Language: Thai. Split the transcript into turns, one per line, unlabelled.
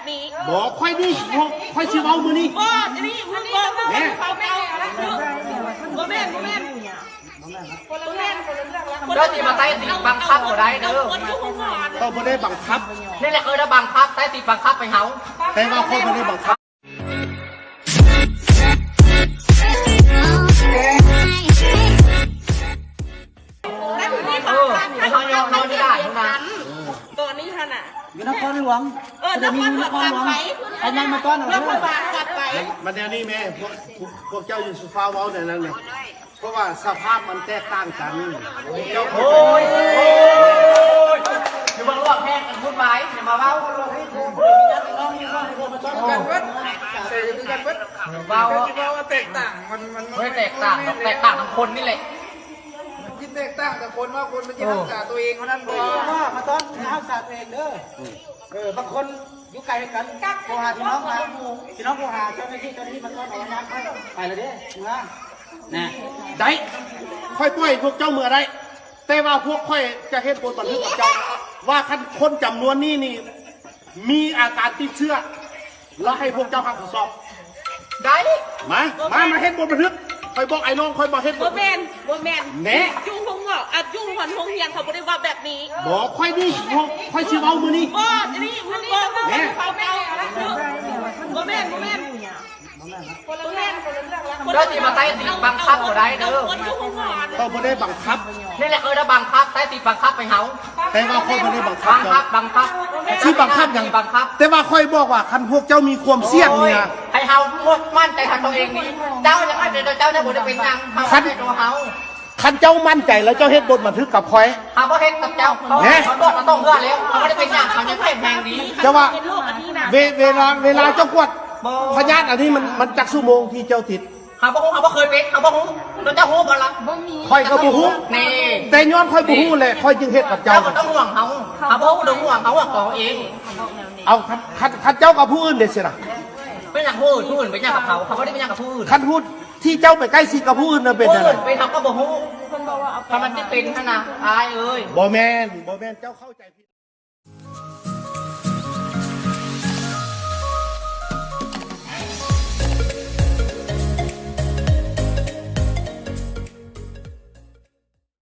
นี้
บอกค่อยนี่ค่อยชื่อเอามือนี่
บ่อันนี้มึงบอกเนี่ยเขาไม่เอาบ่แม่น
เจ้าที่มาใต้ติดบังคับก็ได้เด้อ
เขาไม่ได้บังคับ
นี่แหละได้บังคับใต้ติดบังคับไปเฮา
แต่ว่าเขาไม่ได้บังคับ
ไม่เขายอมนอนไม่ได้ทุกนะ
ตอนนี้ท่านอ่ะ
อยู่นครหลวงจะมีนครหลวงไอ้ยังมาต้อนเอาเลย
มันแนวนี้แม่พวกเจ้าอยู่สุฟ้าเว้าในนั้นเลยเพราะว่าสภาพมันแตกต่างกันเจ้า
โอ้ยอยู่บนรถแห้งกันพูดไม้อย่ามาเว้าเว้า
แตกต่างมัน
ไม่แตกต่างหรอกแตกต่างทั้งคนนี่แหละ
คิดแตกต่างแต่คนว่าคนมันจะรักษาตัวเองเท่านั้นเลย
ว่ามาต้อนรักษาตัวเองเด้อบางคนอยู่ไกลกันโทรหาพี่น้องมาพี่น้องโทรหาเจ้าหน้าที่มาต้อนเอาน้ำไปเลยเด้เมื่อนะ
ได้ค่อยปล่อยพวกเจ้าเมื่อไรแต่ว่าพวกค่อยจะเห็นบนบันทึกกับเจ้าว่าคนจำนวนนี้นี่มีอาการติดเชื้อแล้วให้พวกเจ้าทำสอบ
ได้
มาเห็นบนบันทึกคอยบอกไอ้น้องคอยบอกเห็น
บ่แม่น
แน่
ยุ่งหงว่ายุ่งหันหงเฮียงเขาไม่ได้ว่าแบบนี้
บอกค่อยนี่ค่อยชื่อเอามือนี่
บ่อันนี้มึงบอกเนี่ยเขาไม่เอาบ่แม่น
เจ้าที่มาใต้ติดบังคับก็ได้เด้อ
เขาไม่ได้บังคับ
นี่แหละได้บังคับใต้ติดบังคับไปเฮา
แต่ว่าเขาไม่ได้บังคับ
ชื่อ
บังคับอย่าง
บังคับ
แต่ว่าค่อยบอกว่าคันพวกเจ้ามีความเสี่ยงเนี่ย
ให้เฮามั่นใจทันตัวเองนี่เจ้ายังไงเดี๋ยวเจ้าจะบ่ได้เป็นยังเฮาให้ตัวเฮา
คันเจ้ามั่นใจแล้วเจ้าเฮ็ดบทบันทึกกับคอย
เฮาบ่เฮ็ดกับเจ้าเขาต้องเพื่อแล้วเขาไม่ได้เป็นยังเขาจะแข็งแรงดี
จะว่าเวลาเจ้ากวดพยานอันนี้มันจักชั่วโมงที่เจ้าติด
เขาบ่เคยเป็นเขาบ่ฮู้แล้วเจ้าฮู้บ่ล่ะ
ค่อยก็บ่ฮู้
นี่
แต่ย้อนค่อยบ่ฮู้เลยค่อยจึงเฮ็ดกับเจ้า
บ่ต้องห่วงเขาบ่ฮู้ต้องห่วงเขาว่าของเอง
เอาคันเจ้ากับผู้อื่นเด็ดสิล่ะ
เป็นอย่างผู้อื่นเป็นอย่างกับเขาไม่ได้เป็นอย่างกับผู้อื่น
คันพูดที่เจ้าไปใกล้ชิดกับผู้อื่นน่ะเป็นอะไร
เป็นเขาก็บ่ฮู้ถ้ามันจะเป็นขนาดอายเอ้ย
บ่แม่นเจ้าเข้าใจผิด